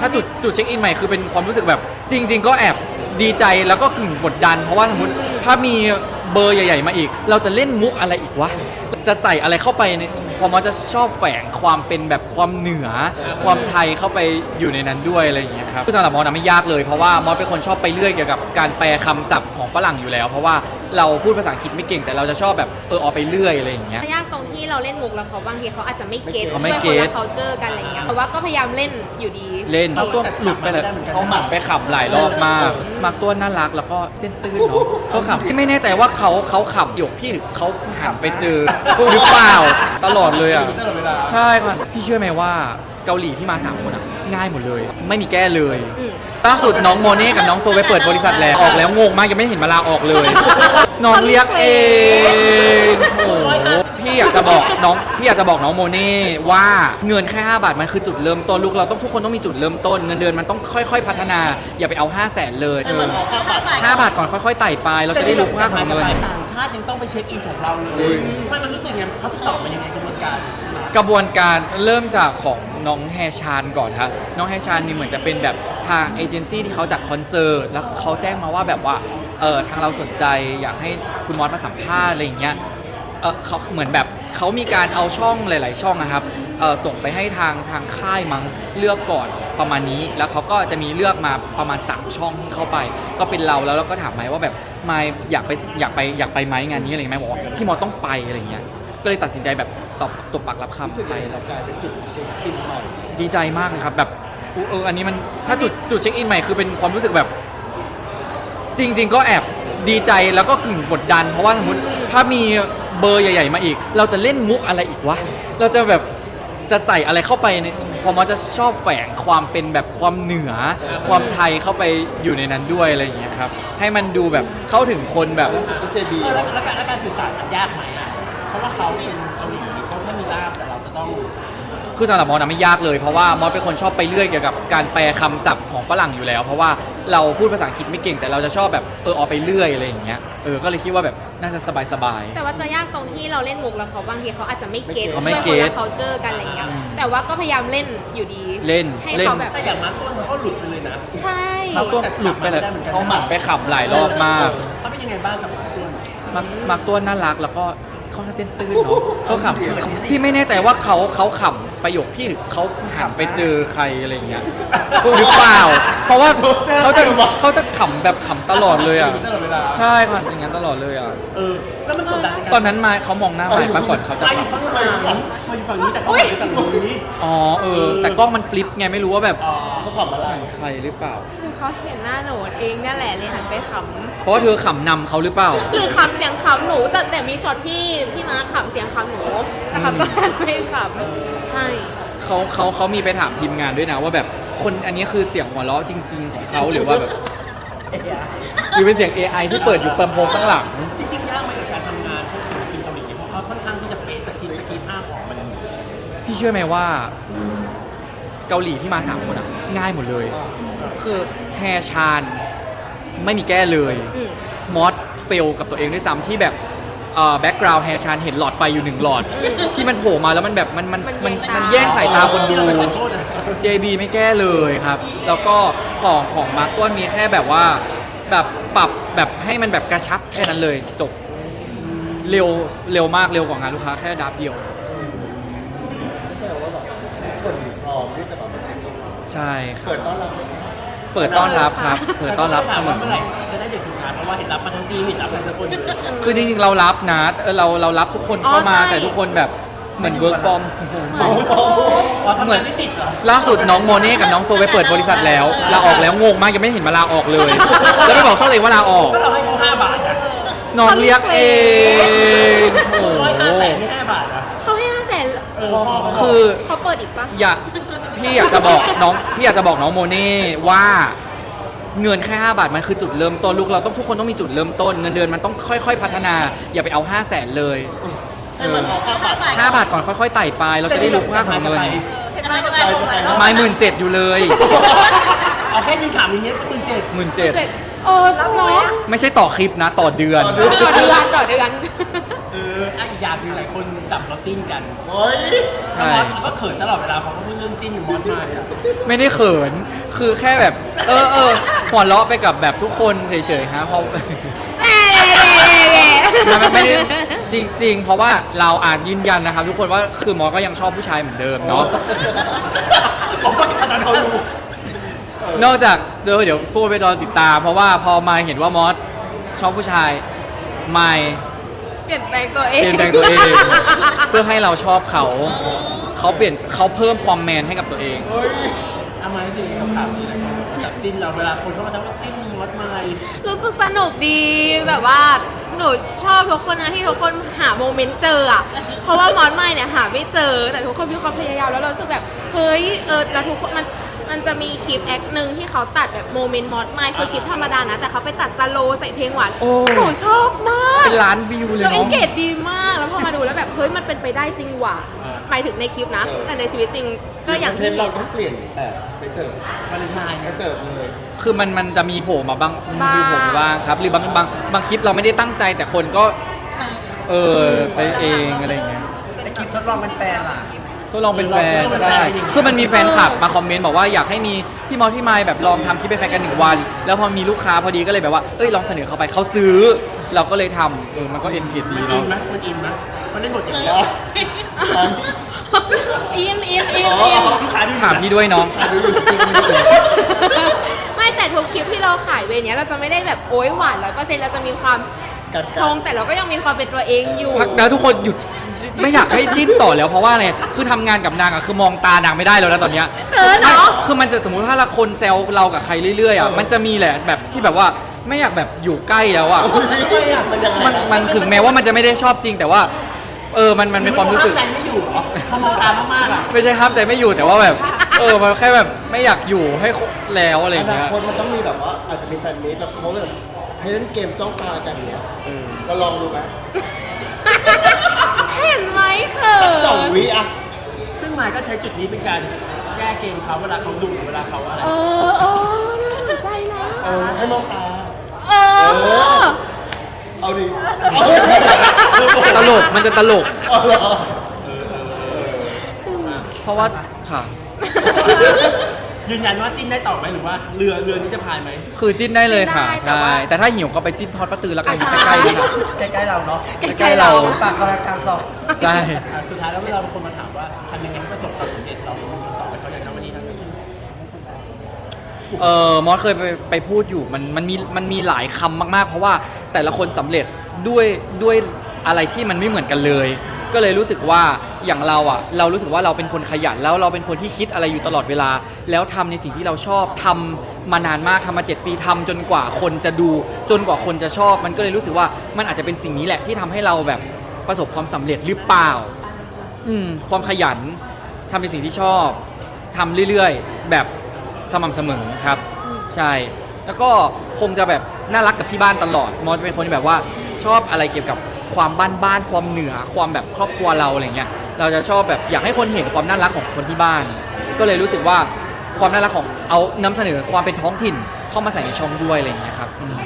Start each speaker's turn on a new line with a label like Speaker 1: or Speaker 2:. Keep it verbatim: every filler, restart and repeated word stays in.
Speaker 1: ถ้าจุดจุดเช็คอินใหม่คือเป็นความรู้สึกแบบจริง ๆ ก็แอบดีใจแล้วก็กึ่งกดดันเพราะว่าสมมติถ้ามีเบอร์ใหญ่ๆมาอีกเราจะเล่นมุกอะไรอีกวะจะใส่อะไรเข้าไปในพอมอจะชอบแฝงความเป็นแบบความเหนือความไทยเข้าไปอยู่ในนั้นด้วยอะไรอย่างเงี้ยครับสำหรับมอสไม่ยากเลยเพราะว่ามอสเป็นคนชอบไปเรื่อยเกี่ยวกับการแปลคำศัพท์ของฝรั่งอยู่แล้วเพราะว่าเราพูดภาษาอังกฤษไม่เก่งแต่เราจะชอบแบบเออเอาไปเรื่อยอะไรอย่างเงี้ย
Speaker 2: ยากตรงที่เราเล่นมุกแล้วเขาบางทีเขาอาจจะไม่เก็ต
Speaker 1: เขาไม่
Speaker 2: ด้วย
Speaker 1: เก็
Speaker 2: คน
Speaker 1: ต
Speaker 2: ละ culture กันอะไรเงี้ยแต่ว่าก็พยายามเล่นอยู่ดี
Speaker 1: เล่นเขาตัวหลุดไปเลยเขาหมั่นไปขำหลายรอบมากมากตัวน่ารักแล้วก็เส้นตื้นเนาะเขาขำที่ไม่แน่ใจว่าเขาเขาขำหยกพี่หรือเขาหันไปเจอหรือเปล่าตลอดเลยอ่ะใช่ค่ะพี่เชื่อไหมว่าเกาหลีที่มาสามคนอ่ะง่ายหมดเลยไม่มีแก้เลยล่าสุดน้องโมเน่กับน้องโซไปเปิดบริษัทแล้วออกแล้วงงมากยังไม่เห็นมาลาออกเลยน้องเรียกเองโอ้โหพี่อยากจะบอกน้องพี่อยากจะบอกน้องโมเน่ว่าเงินแค่ห้าบาทมันคือจุดเริ่มต้นลูกเราต้องทุกคนต้องมีจุดเริ่มต้นเงินเดือนมันต้องค่อยๆพัฒนาอย่าไปเอาห้าแสนเลยห้าบาทก่อนค่อยๆไต่ไปเราจะได้รู้ค่าของเงิน
Speaker 3: ต่างชาติยังต้องไปเช็คอินของเราเลยมันมันรู้สึกไงเขาติดต่อมายังไงกระบวนการ
Speaker 1: กระบวนการเริ่มจากของน้องแฮชานก่อนครับน้องแฮชานนี่เหมือนจะเป็นแบบทางเอเจนซี่ที่เขาจัดคอนเสิร์ตแล้วเขาแจ้งมาว่าแบบว่าเออทางเราสนใจอยากให้คุณมอสมาสัมภาษณ์อะไรอย่างเงี้ยเออเขาเหมือนแบบเขามีการเอาช่องหลาย ๆ ช่องนะครับเออส่งไปให้ทางทางค่ายมั้งเลือกก่อนประมาณนี้แล้วเขาก็จะมีเลือกมาประมาณสามช่องที่เข้าไปก็เป็นเราแล้วเราก็ถามไมค์ว่าแบบไมค์อยากไปอยากไปอยากไปไหมงานนี้อะไรอย่างเงี้ยบอกว่าพี่มอสต้องไปอะไรอย่างเงี้ยก็เลยตัดสินใจแบบตอบตบปากรับคำไปเรากลายเป็นจุดเช็คอินใหม่ดีใจมากเลยครับแบบเอออันนี้มันถ้าจุดจุดเช็คอินใหม่คือเป็นความรู้สึกแบบจริง ๆ ก็แอบดีใจแล้วก็กึ่งกดดันเพราะว่าสมมติถ้ามีเบอร์ใหญ่ๆมาอีกเราจะเล่นมุกอะไรอีกวะเราจะแบบจะใส่อะไรเข้าไปในพอมอจะชอบแฝงความเป็นแบบความเหนือความไทยเข้าไปอยู่ในนั้นด้วยอะไรอย่างเงี้ยครับให้มันดูแบบเข้าถึงคนแบบ
Speaker 3: แล้วแล้วการแล้วการสื่อสารมันยากไหมอ่ะเพราะว่าเขาเป็นเกาหลีเขาแค่มีล่ามแต่เราจะต้อง
Speaker 1: คือสำหรับมอสไม่ยากเลยเพราะว่ามอสเป็นคนชอบไปเรื่อยเกี่ยวกับการแปลคำศัพท์ของฝรั่งอยู่แล้วเพราะว่าเราพูดภาษาอังกฤษไม่เก่งแต่เราจะชอบแบบเออเอาไปเรื่อยอะไรอย่างเงี้ยเออก็เลยคิดว่าแบบน่าจะสบายๆ
Speaker 2: แต่ว่าจะยากตรงที่เราเล่นมุกแล้วเขาบางทีเขาอาจจะไม่เก็ต
Speaker 1: เขา
Speaker 2: ด้
Speaker 1: ไม่
Speaker 2: วย
Speaker 1: เก็
Speaker 2: คน
Speaker 1: ต
Speaker 2: ละ culture กันอะไรเงี้ยแต่ว่าก็พยายามเล่นอยู่ดี
Speaker 1: เล่น
Speaker 2: ให้
Speaker 1: เล่น
Speaker 2: เขาแบบ
Speaker 3: แต่อย่างมาร์คต้นเขาก็หลุดไปเลยนะ
Speaker 2: ใช่
Speaker 1: เขาตัวหลุดไปเลยเขาหมั่นไปขำหลายรอบมาก
Speaker 3: เขาเป็นยังไงบ้างกับมาร์คต้น
Speaker 1: มักมักตัวน่ารักแล้วก็เขาเส้นตื้นเนาะเขาขำพี่ไม่แน่ใจว่าเขาเขาขำประโยคพี่หรือเขาหันไปเจอใครอะไรอย่างเงี้ยหรือเปล่าเพราะว่าเขาจะเขาจะขำแบบขำตลอดเลยอ่ะใช่ค่ะอย่างนั้นตลอดเลยอ่ะ
Speaker 3: เออแล้วมันกดดัน
Speaker 1: ตอนนั้นมาเขามองหน้าไปก่อนเขาจะ
Speaker 3: ไปอยู่ข้างหลังมาอยู่ฝั่งนี้แต่เขาอยู่ฝั่งนี้
Speaker 1: อ๋อเออแต่กล้องมันฟลิปไงไม่รู้ว่าแบบ
Speaker 3: เขาขำอะไร
Speaker 1: ใครหรือเปล่า
Speaker 2: หรือเขาเห็นหน้าหนูเองนั่นแหละเลยหันไปขำ
Speaker 1: เพราะว่าเธอขำนำเขาหรือเปล่า
Speaker 2: หรือขำเสียงขำหนูแต่แต่มีช็อตที่พี่มาขำเสียงขำหนูแล้วเขาก็หันไปขำใช่
Speaker 1: เขาเขาเขามีไปถามทีมงานด้วยนะว่าแบบคนอันนี้คือเสียงหัวเราะจริง ๆ ของเขาหรือว่าแบบหรือเป็นเสียง เอ ไอ ที่เปิดอยู่เปิมโพงข้างหลัง
Speaker 3: จริงๆยากไหมกับการทำงานพวกศิลปินเกาหลีเพราะเขาค่อนข้างที่จะเป๊ะสกิปสกิปภาพออกมัน
Speaker 1: พี่เชื่อไหมว่าเกาหลีที่มาสามคนอะง่ายหมดเลย คือแฮชานไม่มีแก้เลย
Speaker 2: อืม
Speaker 1: มอสเฟลกับตัวเองด้วยซ้ำที่แบบแบ็กกราวด์แฮชานเห็นหลอดไฟอยู่หนึ่งหลอด ที่มันโผล่มาแล้วมันแบบมันมันมันมันแย่งสายตาคนดู เจ บี ไม่แก้เลยครับ แล้วก็ของของมาร์กต้นมีแค่แบบว่าแบบปรับแบบให้มันแบบกระชับแค่นั้นเลยจบเร็วเร็วมากเร็วกว่างานลูกค้าแค่ดับเดียว
Speaker 4: แสดงว่าแบบคนพร้อมที่จะแบบมาเช็คอิน
Speaker 1: ใช่ครับ
Speaker 4: เปิดต้อนรับไหม
Speaker 1: เปิดต้อนรับครับ เปิดต้อนรับเสมอ
Speaker 3: เมื่อไหร่จะได้เด็กทำงานเพราะว่าเห็นรับมาทั้งปีเห็นรับมาทั้งคนอยู่
Speaker 1: คือจริงๆเรารับนะเออเราเรารับทุกคนเข้ามาแต่ทุกคนแบบเหมือน work from
Speaker 3: อ๋อทำงานที่จิตเหรอ
Speaker 1: ล่าสุดน้องโมเน่กับน้องโซไปเปิดบริษัทแล้วลาออกแล้วงงมากยังไม่เห็นมาลาออกเลย แล้วไปบอกช่องเองว่าลาออก
Speaker 3: ก็เราให้เขาห้าบาทนะ
Speaker 1: น้องเรียกเองโอ้
Speaker 3: ร้อย
Speaker 1: โห
Speaker 3: ห้าแสนนี่ห้าบาทนะ
Speaker 2: เขาให้ห้าแสน
Speaker 3: เออพ่อเขา
Speaker 1: คือ
Speaker 2: เขาเปิดอีกปะ
Speaker 1: อยากพี่อยากจะบอกน้องพี่อยากจะบอกน้องโมเน่ว่าเงินแค่ห้าบาทมันคือจุดเริ่มต้นลูกเราต้องทุกคนต้องมีจุดเริ่มต้นเงินเดือนมันต้องค่อยๆพัฒนาอย่าไปเอาห้าแสนเลย
Speaker 4: ให้มันเอาห้าบาท
Speaker 1: ห้าบาทก่อนค่อยๆไต่ไปเราจะได้รู้ค่าของเงิน
Speaker 2: เห็นไหม
Speaker 4: ไปจะไป
Speaker 1: ไม้หมื่นเจ็ดอยู่เลย
Speaker 3: เอาแค่ยิงถามอย่างเงี้ยก็หมื่นเจ็ด
Speaker 1: หมื่นเจ็ด
Speaker 2: เจ็ดเออรับน้อย
Speaker 1: ไม่ใช่ต่อคลิปนะต่อเดือน
Speaker 2: ต่อเดือนต่อเดือน
Speaker 3: เอออ่ะอีกอย่างหนึงหลายคนจับเราจิ้นกัน
Speaker 4: โอ้ย
Speaker 3: แล้วมอสก็เขินตลอดเวลาเพราะเขาพูดเรื่องจิ้นกับมอสมาเนี่ย
Speaker 1: ไม่ได้เขิน คือแค่แบบ เออเออหัวเราะไปกับแบบทุกคนเฉยๆฮะเพราะ มันไม่ได้จริง ๆ เพราะว่าเราอาจยืนยันนะครับ ทุกคนว่าคือมอสก็ยังชอบผู้ชายเหมือนเดิมเนาะ
Speaker 3: ผมประกาศตอนเขารู้
Speaker 1: นอกจากเดี๋ยวเดี๋ยวพูดไปรอติดตาม เพราะว่าพอมาเห็นว่ามอสชอบผู้ชายไม่
Speaker 2: เปลี่ยนแปลงตัวเอง
Speaker 1: เปลี่ยนแปลงตัวเอง เพื่อให้เราชอบเขา เขาเปลี่ยนเขาเพิ่มความแมนให้กับตัวเอง
Speaker 4: เฮ้ย
Speaker 3: ทำไมจริงๆกับข่าวนี้นะจับจิ้นเราเวลาคนเข้ามาทักว่าจิ้นมอสมา
Speaker 2: รู้สึกสนุกดีแบบว่าหนูชอบทุกคนนะที่ทุกคนหาโมเมนต์เจออ่ะ เพราะว่ามอนไม่เนี่ยหาไม่เจอ แต่ทุกคนมีความพยายามแล้วเรารู้สึกแบบเฮ้ยเออแล้วทุกคนมันมันจะมีคลิปแอคหนึ่งที่เขาตัดแบบโมเมนต์มอสไม่คือคลิปธรรมดานะแต่เขาไปตัดสโลว์ใส่เพลงหวาน
Speaker 1: โอ้
Speaker 2: หนูชอบมาก
Speaker 1: เป็นล้านวิวเลย
Speaker 2: เราเอ
Speaker 1: เนาะ
Speaker 2: นเกจดีมากแล้วพอมาดูแล้วแบบเฮ้ยมันเป็นไปได้จริงว่ะหมายถึงในคลิปนะ แต่ในชีวิตจริงก็อย่าง
Speaker 4: เท
Speaker 2: ที่
Speaker 4: นเราต้องเปลี่ยนแบบไปเสิร์ฟ
Speaker 3: วาเลนไทน์
Speaker 4: ไปเสิร์ฟเลย
Speaker 1: คือมันมันจะมีโผล่มาบ้าง
Speaker 2: บ้าง
Speaker 1: มีโผล่มาบ้างครับ หรือบางบางบางคลิปเราไม่ได้ตั้งใจแต่คนก็ เออไปเองอะไรอย่างเงี้ย
Speaker 3: ไอคลิปทดลองเป็นแฟนล่ะ
Speaker 1: ก็ลองเป็นแฟน
Speaker 3: ลองเป็นแฟน
Speaker 1: ใช่
Speaker 3: จริงๆ
Speaker 1: คือมันมีแฟนคลับมาคอมเมนต์บอกว่าอยากให้มีพี่มอสพี่ไมค์แบบลองทำคลิปเป็นแฟนกันหนึ่งวัน แล้วพอมีลูกค้าพอดีก็เลยแบบว่าเอ้ยลองเสนอเขาไปเขาซื้อ เราก็เลยทำเออมันก็เอ็นเกจดี
Speaker 3: มันอิ
Speaker 1: เนาะ
Speaker 3: นไหมมันอินไหมมันเล่นบทอย่างนี้
Speaker 4: อ๋อ
Speaker 2: อินอินอินอิน
Speaker 3: ลูกค้าดูอยู่
Speaker 1: ถามพี่ด้วยเนาะ
Speaker 2: ไม่แต่ทุกคลิปที่เราขายเวรเนี้ยเราจะไม่ได้แบบโอ๊ยหวานร้อยเปอร์เซ็นต์เราจะมีความ
Speaker 4: กัด
Speaker 2: ชงแต่เราก็ยังมีความเป็นตัวเองอยู่
Speaker 1: พักนะทุกคนหยุดไม่อยากให้จิ้นต่อแล้วเพราะว่าอะไรคือทำงานกับนางอะคือมองตานางไม่ได้แล้วนะตอนเนี้ย
Speaker 2: เขินเหรอ
Speaker 1: ไม่คือมันจะสมมุติถ้าละคนแซวเรากับใครเรื่อยๆอ่ะมันจะมีแหละแบบที่แบบว่าไม่อยากแบบอยู่ใกล้แล้วอ่ะ
Speaker 3: ไม่อะมันยังไง
Speaker 1: มันมันถึงแม้ว่ามันจะไม่ได้ชอบจริง แต่ว่า เออมันมันเป็นความรู้สึก
Speaker 3: ห้ใจไม่อยู่เหรอพอมองตามากๆอ่ะ
Speaker 1: ไม่ใช่ห้ามใจไม่อยู่แต่ว่าแบบ เออมันแค่แบบไม่อยากอยู่ให้แล้วอะไรอ
Speaker 4: อย่าง นา
Speaker 1: เงี้ย
Speaker 4: คตมันต้องมีแบบว่าอาจจะมีแฟนมีตแล้วเขาแบบให้เล่นเกมจ้องตากันเนี้ย
Speaker 1: เออ
Speaker 4: เราลองดูไหม
Speaker 2: เห็นไหมเขิ
Speaker 4: สักสอง
Speaker 2: น
Speaker 4: วิอะ
Speaker 3: ซึ่งมายก็ใช้จุดนี้เป็นการแก้เกมเขาเวลาเขาดุเวลาเขาอะไร
Speaker 2: เออเออน่าสนใจนะ
Speaker 4: เออให้มองตา
Speaker 2: เออ
Speaker 4: เอาดิ
Speaker 1: ตลกมันจะตลก
Speaker 4: เอาเหรอ
Speaker 1: เพราะว่าค่ะ
Speaker 3: ยืนยันว่าจิ้นได้ต่อไหมหรือว่าเรือเรือนี้จะพายไหม
Speaker 1: คือจิ้นได้เลยค่ะ
Speaker 2: จิ้นได้แต่
Speaker 1: ใช่
Speaker 2: ว่า
Speaker 1: แต่ถ้าหิวก็ไปจิ้นทอดปลาตือแล้วกัน
Speaker 2: ใช่
Speaker 1: ใกล้ๆนี่ค่ะ
Speaker 3: ใกล้ๆเราเนาะ
Speaker 1: ใกล้ๆเรา
Speaker 3: ปากกำลังกลางซอย
Speaker 1: ใช่
Speaker 3: อ่ะสุดท้ายแล้วเวลาบางคนมาถามว่าทำยังไงให้ประสบความสำเร็จเราตอบไปเขาอย่างนั้นวันนี้ทำยังไง
Speaker 1: เออมอสเคยไปไปพูดอยู่มันมันมีมันมีหลายคำมากๆ เพราะว่าแต่ละคนสำเร็จด้วยด้วยอะไรที่มันไม่เหมือนกันเลย ก็เลยรู้สึกว่าอย่างเราอ่ะเรารู้สึกว่าเราเป็นคนขยันแล้วเราเป็นคนที่คิดอะไรอยู่ตลอดเวลา แล้วทำในสิ่งที่เราชอบทำมานานมากทำมาเจ็ดปีทำจนกว่าคนจะดู จนกว่าคนจะชอบ มันก็เลยรู้สึกว่ามันอาจจะเป็นสิ่งนี้แหละที่ทำให้เราแบบประสบความสำเร็จหรือเปล่า อืมความขยันทำในสิ่งที่ชอบทำเรื่อยๆ แบบสม่ำเสมอครับ ใช่ แล้วก็คงจะแบบน่ารักกับที่บ้านตลอดมอสเป็นคนที่แบบว่าชอบอะไรเกี่ยวกับความบ้านๆความเหนือความแบบครอบครัวเราอะไรเงี้ยเราจะชอบแบบอยากให้คนเห็นความน่ารักของคนที่บ้าน ก็เลยรู้สึกว่าความน่ารักของเอานำเสนอความเป็นท้องถิ่นเข้ามาใส่ในช่องด้วยอะไรเงี้ยครับอืม